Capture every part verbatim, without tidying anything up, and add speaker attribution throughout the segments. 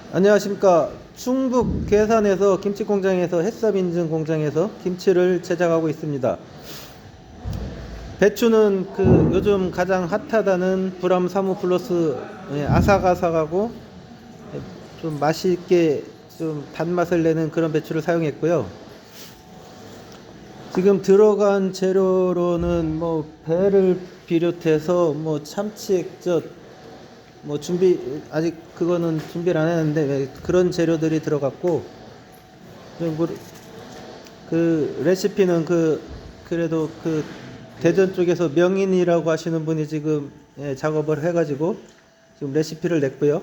Speaker 1: 안녕하십니까. 충북 괴산에서 김치 공장에서 햇섭 인증 공장에서 김치를 제작하고 있습니다. 배추는 그 요즘 가장 핫하다는 브람 사무 플러스, 예, 아삭아삭하고 좀 맛있게 좀 단맛을 내는 그런 배추를 사용했고요. 지금 들어간 재료로는 뭐 배를 비롯해서 뭐 참치 액젓, 뭐 준비 아직 그거는 준비를 안 했는데 그런 재료들이 들어갔고, 뭐 그 레시피는 그 그래도 그 대전 쪽에서 명인이라고 하시는 분이 지금, 예, 작업을 해가지고 지금 레시피를 냈고요.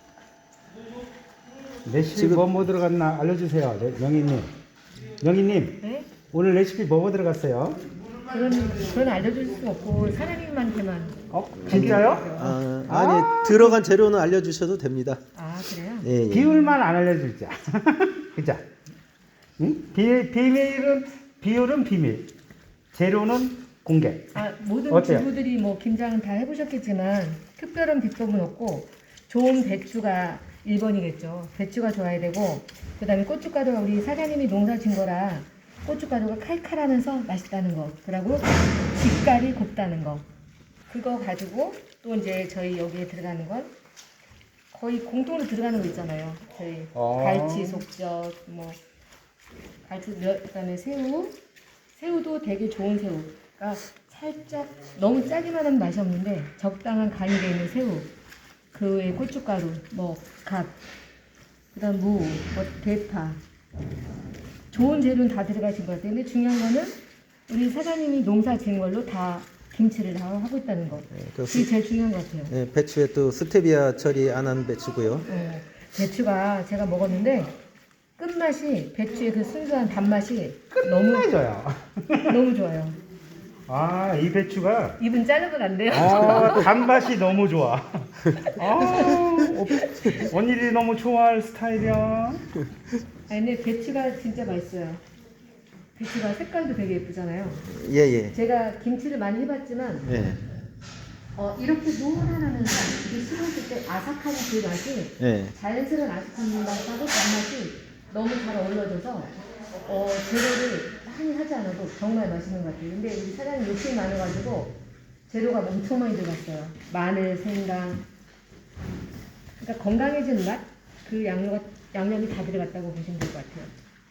Speaker 2: 레시피
Speaker 1: 지금
Speaker 2: 뭐 뭐 들어갔나 알려주세요, 네, 명희님. 명희님,
Speaker 3: 네?
Speaker 2: 오늘 레시피 뭐 뭐 들어갔어요?
Speaker 3: 그건, 그건 알려줄 수 없고 사장님한테만.
Speaker 2: 어, 진짜요?
Speaker 1: 아, 아니 들어간 재료는 알려주셔도 됩니다.
Speaker 3: 아 그래요?
Speaker 1: 예, 예.
Speaker 2: 비율만 안 알려주자. 그죠? 응? 비, 비밀은 비율은 비밀, 재료는 공개.
Speaker 3: 아 모든
Speaker 2: 어때요?
Speaker 3: 주부들이 뭐 김장은 다 해보셨겠지만 특별한 비법은 없고 좋은 배추가 일 번이겠죠. 배추가 좋아야 되고 그 다음에 고춧가루가 우리 사장님이 농사 진 거라 고춧가루가 칼칼하면서 맛있다는 거, 그리고 빛깔이 곱다는 거, 그거 가지고 또 이제 저희 여기에 들어가는 건 거의 공통으로 들어가는 거 있잖아요. 저희
Speaker 2: 아.
Speaker 3: 갈치, 속젓, 뭐 갈치, 몇, 그다음에 새우, 새우도 되게 좋은 새우. 그러니까 살짝 너무 짜기만 하면 맛이 없는데 적당한 간이 되어 있는 새우. 그 외에 고춧가루, 뭐 갓, 그다음 무, 뭐 대파. 좋은 재료는 다 들어가신 것 같아요. 근데 중요한 거는 우리 사장님이 농사 지은 걸로 다 김치를 다 하고 있다는 거.
Speaker 1: 예, 그
Speaker 3: 그게 제일 중요한 것 같아요.
Speaker 1: 예, 배추에 또 스테비아 처리 안 한 배추고요.
Speaker 3: 어, 배추가 제가 먹었는데 끝맛이, 배추의 그 순수한 단맛이 너무
Speaker 2: 끝내줘요.
Speaker 3: 너무 좋아요.
Speaker 2: 아, 이 배추가
Speaker 3: 입은 자르면 안 돼요.
Speaker 2: 아, 단맛이 너무 좋아. 아, 원일이 너무 좋아할 스타일이야.
Speaker 3: 아니 근데 배추가 진짜 맛있어요. 배추가 색깔도 되게 예쁘잖아요.
Speaker 1: 예, 예.
Speaker 3: 제가 김치를 많이 해봤지만
Speaker 1: 예,
Speaker 3: 어, 이렇게 노란하면서 이게 식었을 때 아삭한 그 맛이,
Speaker 1: 예.
Speaker 3: 자연스러운 아삭한 맛하고 단맛이 너무 잘 어우러져서 어, 재료를 많이 하지 않아도 정말 맛있는 것 같아요. 근데 우리 사장님 욕심이 많아가지고 재료가 엄청 많이 들어갔어요. 마늘, 생강. 그러니까 건강해지는 맛? 그 양념, 양념이 다 들어갔다고 보시면 될 것 같아요.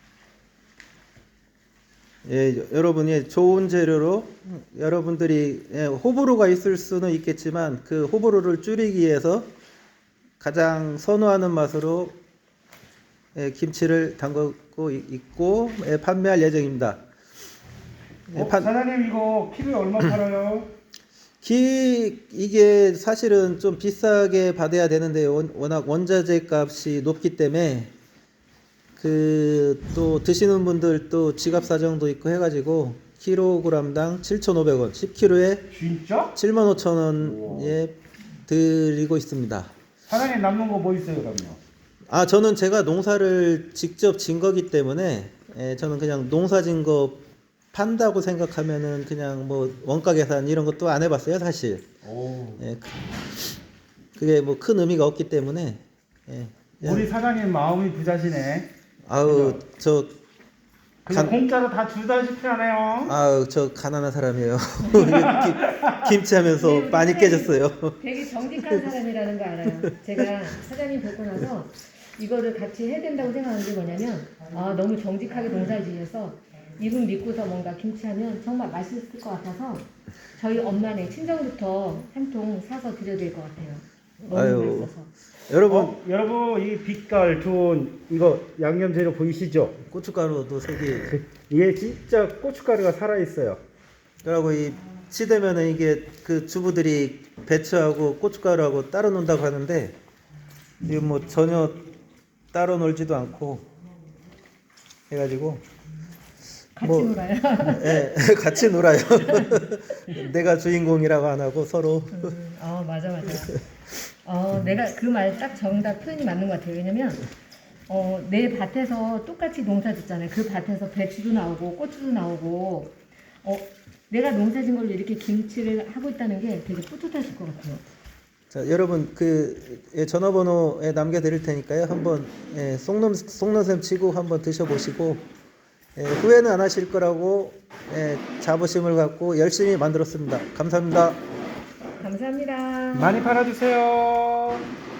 Speaker 1: 예, 여러분이 좋은 재료로 여러분들이, 예, 호불호가 있을 수는 있겠지만 그 호불호를 줄이기 위해서 가장 선호하는 맛으로, 예, 김치를 담그고 있고, 예, 판매할 예정입니다. 예,
Speaker 2: 어,
Speaker 1: 판-
Speaker 2: 사장님 이거 키로에 얼마 팔아요?
Speaker 1: 기 이게 사실은 좀 비싸게 받아야 되는데 원- 워낙 원자재 값이 높기 때문에 그 또 드시는 분들 또 지갑 사정도 있고 해가지고 킬로그램당 칠천오백 원, 십 킬로그램에
Speaker 2: 진짜?
Speaker 1: 칠만 오천 원에 드리고 있습니다.
Speaker 2: 사장님 남는 거 뭐 있어요, 그럼요?
Speaker 1: 아, 저는 제가 농사를 직접 진 거기 때문에, 예, 저는 그냥 농사 진 거 판다고 생각하면은 그냥 뭐 원가 계산 이런 것도 안 해봤어요, 사실.
Speaker 2: 오.
Speaker 1: 예, 그- 그게 뭐 큰 의미가 없기 때문에. 예.
Speaker 2: 우리 사장님 마음이 부자시네.
Speaker 1: 아우 저
Speaker 2: 그냥
Speaker 1: 간-
Speaker 2: 공짜로 다 주다시피 하네요.
Speaker 1: 아우 저 가난한 사람이에요. 김, 김치 하면서
Speaker 3: 네, 우리
Speaker 1: 많이
Speaker 3: 사장님
Speaker 1: 깨졌어요.
Speaker 3: 되게 정직한 사람이라는 거 알아요. 제가 사장님 뵙고 나서 이거를 같이 해야 된다고 생각하는 게 뭐냐면, 아, 너무 정직하게 농사를 지어서 이분 믿고서 뭔가 김치하면 정말 맛있을 것 같아서 저희 엄마네 친정부터 한 통 사서 드려야 될 것 같아요. 너무
Speaker 1: 아유.
Speaker 3: 맛있어서.
Speaker 1: 여러분,
Speaker 2: 어, 여러분 이 빛깔 좋은 이거 양념 재료 보이시죠?
Speaker 1: 고춧가루도 색이,
Speaker 2: 그, 이게 진짜 고춧가루가 살아 있어요.
Speaker 1: 그리고 이 치대면은 이게 그 주부들이 배추하고 고춧가루하고 따로 논다고 하는데 이게 뭐 전혀 따로 놀지도 않고 해가지고
Speaker 3: 같이
Speaker 1: 뭐,
Speaker 3: 놀아요.
Speaker 1: 예, 같이 놀아요. 내가 주인공이라고 안 하고 서로.
Speaker 3: 음, 어, 맞아, 맞아. 어, 내가 그 말 딱 정답 표현이 맞는 것 같아요. 왜냐면, 어, 내 밭에서 똑같이 농사 짓잖아요. 그 밭에서 배추도 나오고, 고추도 나오고, 어, 내가 농사 진 걸로 이렇게 김치를 하고 있다는 게 되게 뿌듯하실 것 같아요.
Speaker 1: 자, 여러분 그 예, 전화번호에 남겨드릴 테니까요. 한번 예, 속눈 속눈샘 치고 한번 드셔보시고 예, 후회는 안 하실 거라고 예, 자부심을 갖고 열심히 만들었습니다. 감사합니다.
Speaker 3: 감사합니다.
Speaker 2: 많이 팔아주세요.